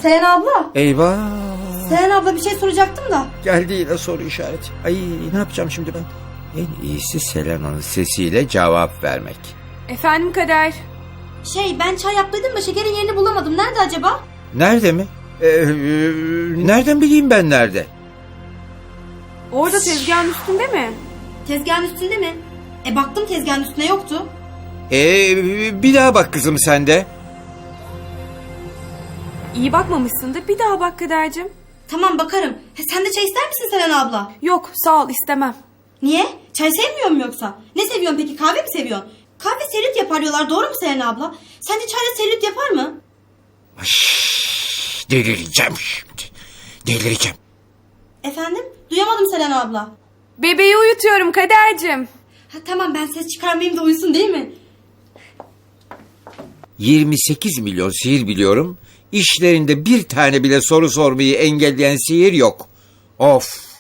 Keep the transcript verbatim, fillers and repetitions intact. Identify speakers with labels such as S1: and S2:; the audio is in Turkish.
S1: Selena abla.
S2: Eyvah.
S1: Selena abla bir şey soracaktım da.
S2: Geldi yine soru işareti. Ay ne yapacağım şimdi ben? En iyisi Selena'nın sesiyle cevap vermek.
S3: Efendim Kader.
S1: Şey ben çay yaptıydım da şekerin yerini bulamadım. Nerede acaba?
S2: Nerede mi? Ee, e, nereden bileyim ben nerede?
S3: Orada tezgahın üstünde mi?
S1: Tezgahın üstünde mi? E baktım tezgahın üstünde yoktu.
S2: Ee, bir daha bak kızım sen de.
S3: İyi bakmamışsındır. Bir daha bak Kader'cim.
S1: Tamam bakarım. He, sen de çay ister misin Selena abla?
S3: Yok sağ ol istemem.
S1: Niye? Çay sevmiyor mu yoksa? Ne seviyorsun peki? Kahve mi seviyorsun? Kahve selülit yapar diyorlar. Doğru mu Selena abla? Sence çayla selülit yapar mı?
S2: Ay, delireceğim şimdi. Delireceğim.
S1: Efendim? Duyamadım Selena abla.
S3: Bebeği uyutuyorum Kader'cim.
S1: Ha, tamam ben ses çıkarmayayım da uyusun değil mi?
S2: yirmi sekiz milyon sihir biliyorum. İşlerinde bir tane bile soru sormayı engelleyen sihir yok. Of.